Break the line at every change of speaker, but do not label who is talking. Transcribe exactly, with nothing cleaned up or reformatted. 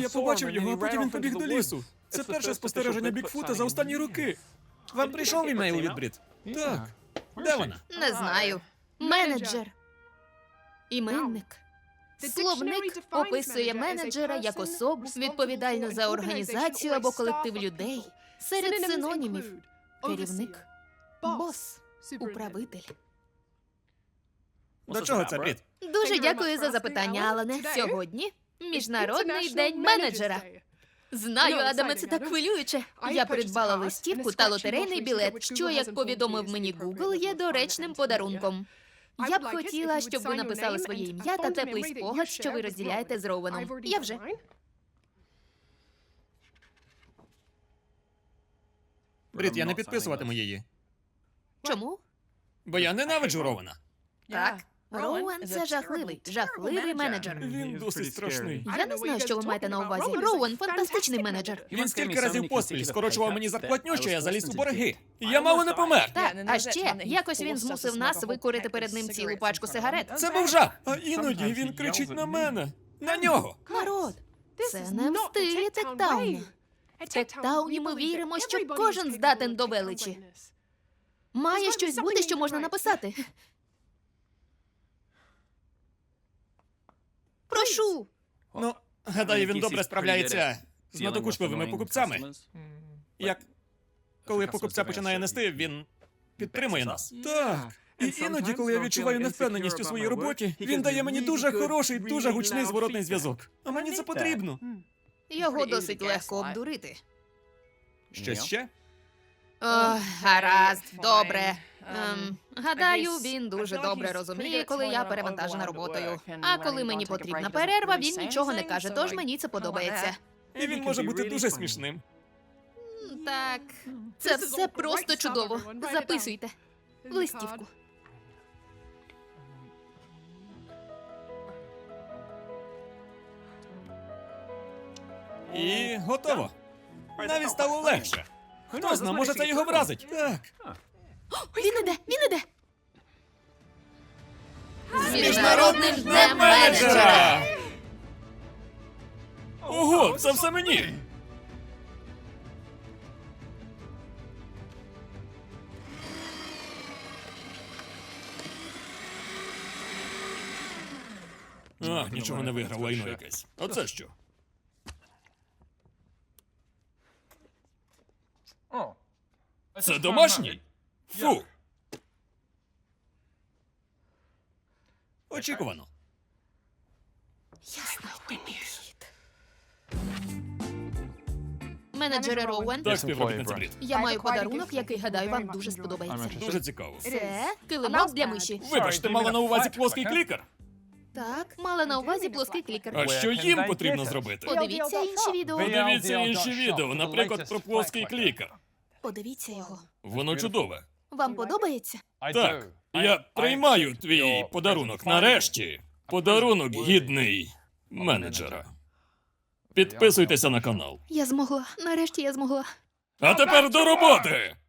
Я побачив його, а потім він побіг до лісу. Це перше спостереження Бікфута за останні роки.
Вам прийшов імейл від Брід?
Так.
Де вона?
Не знаю. Менеджер. Іменник. Словник описує менеджера як особу, відповідальну за організацію або колектив людей. Серед синонімів – керівник, бос, управитель.
До чого це, Брід?
Дуже дякую за запитання, Алане. Сьогодні Міжнародний день менеджера. Знаю, Адаме, це так хвилююче. Я придбала листівку та лотерейний білет, що, як повідомив мені Google, є доречним подарунком. Я б хотіла, щоб ви написали своє ім'я та теплий спогад, що ви розділяєте з Роуеном. Я вже.
Брід, я не підписуватиму її.
Чому?
Бо я ненавиджу Рована.
Так. Роуен – це жахливий, жахливий менеджер.
Він досить страшний.
Я не знаю, що ви маєте на увазі. Роуен – фантастичний менеджер.
Він стільки разів поспіль скорочував мені зарплатню, що я заліз у борги. Я мало не помер.
Так, а ще якось він змусив нас викурити перед ним цілу пачку сигарет.
Це був жах.
А іноді він кричить на мене.
На нього.
Народ, це не в стилі Тектауну. В Тектауні ми віримо, що кожен здатен до величі. Має щось бути, що можна написати. Прошу.
Ну, гадаю, він добре справляється з надокучливими покупцями. Як коли покупця починає нести, він підтримує нас.
Так. І іноді, коли я відчуваю невпевненість у своїй роботі, він дає мені дуже хороший, дуже гучний зворотний зв'язок. А мені це потрібно.
Його досить легко обдурити.
Щось ще?
О, гаразд, добре. Ем, гадаю, він дуже добре розуміє, коли я перевантажена роботою. А коли мені потрібна перерва, він нічого не каже, тож мені це подобається.
І він може бути дуже смішним.
Так, це все просто чудово. Записуйте. В листівку.
І готово. Навіть стало легше. Хто зна, може це його вразить.
Так.
Він іде, він іде. З Міжнародним днем менеджера!
Ого, це все мені! А, нічого не виграв, лайно якесь. Оце що? Це домашній? Фу! Очікувано.
Я знаю підхід. Менеджере Роуен,
Так, співробітниця Брід.
я маю подарунок, який, гадаю, вам дуже сподобається.
Дуже цікаво.
Це килимок для миші.
Вибачте, мала на увазі плоский клікер?
Так, мала на увазі плоский клікер.
А що їм потрібно зробити?
Подивіться інші відео.
Подивіться інші відео, наприклад, про плоский клікер.
Подивіться його.
Воно чудове.
Вам подобається?
Так, я приймаю твій подарунок. Нарешті. Подарунок гідний менеджера. Підписуйтеся на канал.
Я змогла. Нарешті я змогла.
А тепер до роботи!